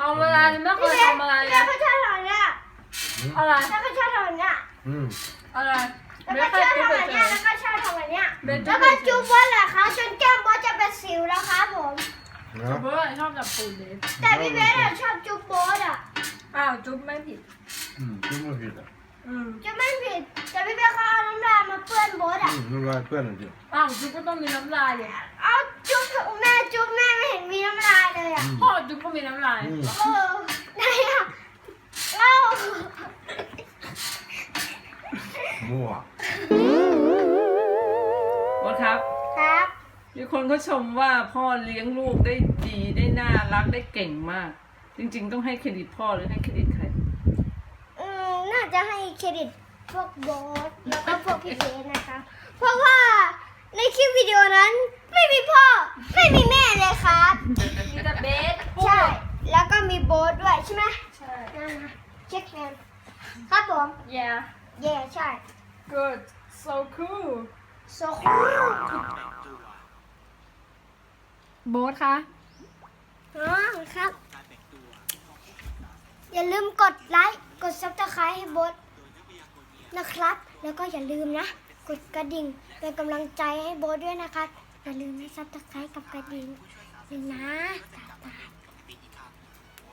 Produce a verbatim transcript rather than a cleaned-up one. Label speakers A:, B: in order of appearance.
A: ำอะไรไม่เคยทำอะไรเล
B: แม่
A: ย
B: ก็ชอบทำเนี่ย
A: อะไร
B: แม่ก็ชอบทำเนี่ย
C: อืม
A: อะไร
B: แล้ว
A: เบ
B: ก็
A: ส
B: ช
A: แค่
B: อบ
A: จุ๊บ
B: ทำ
A: เฉ
B: เนี่ย
A: ย
B: แล้วก็ชอบทำเนี่ย
A: ๆเบส
B: แล้วก็จุ๊บบอสเหรอคะจนแก้มบอสจะเป็นสิวแล้วครับผม
C: เนาะ
A: เบสชอบจับปูนเบส
B: แต่พี่เบสอะชอบจุ๊บบอสอะ
A: อ้าวจุ๊บไม่ผิด
C: อืมจุ๊บไม่ผิดอ่ะ
A: อืม
B: จะไม่ผิดแต่พี่เบสเขาเอาน้ำลายมาเปื้อนบอส
C: อื
B: อะ
C: มน้ำลายเพื่อนจริง
A: อ้าวจุ๊บก็ต้องมีน้ำลายเลย
B: เอาจุ๊บแม่จุ๊บแม่ไม่เห็นมีน้ำลายเลยอะ
A: พ่อจุ๊บก็มีน้ำลาย
C: อืม
B: เออไหนอะเล่า
C: มั่ว
A: บอสครับ
B: ครับ
A: มีคนเขาชมว่าพ่อเลี้ยงลูกได้ดีได้น่ารักได้เก่งมาก จริงๆต้องให้เครดิตพ่อหรือให้เครดิตใคร
B: อืมน่าจะให้เครดิตพวกบอสแล้วก็พวกพี่เบสนะคะ เพราะว่าในคลิปวิดีโอนั้นไม่มีพ่อไม่มีแม่เลยครับ
A: มีแต่เบส
B: ใช่ แล้วก็มีโบสด้วยใช่ไหม
A: ใช่
B: นั่นนะเช็คแฮนด์ครับผม
A: yeah
B: เย่ใช่
A: good so cool
B: โซคูล
A: โบสคะ
B: อ๋อครับ อย่าลืมกดไลค์ กดซับสไครต์ให้โบสนะครับ แล้วก็อย่าลืมนะ กดกระดิ่งเป็นกำลังใจให้โบสด้วยนะคะ อย่าลืมนะซับสไครต์กับกระดิ่งเลยนะบ๊ายบาย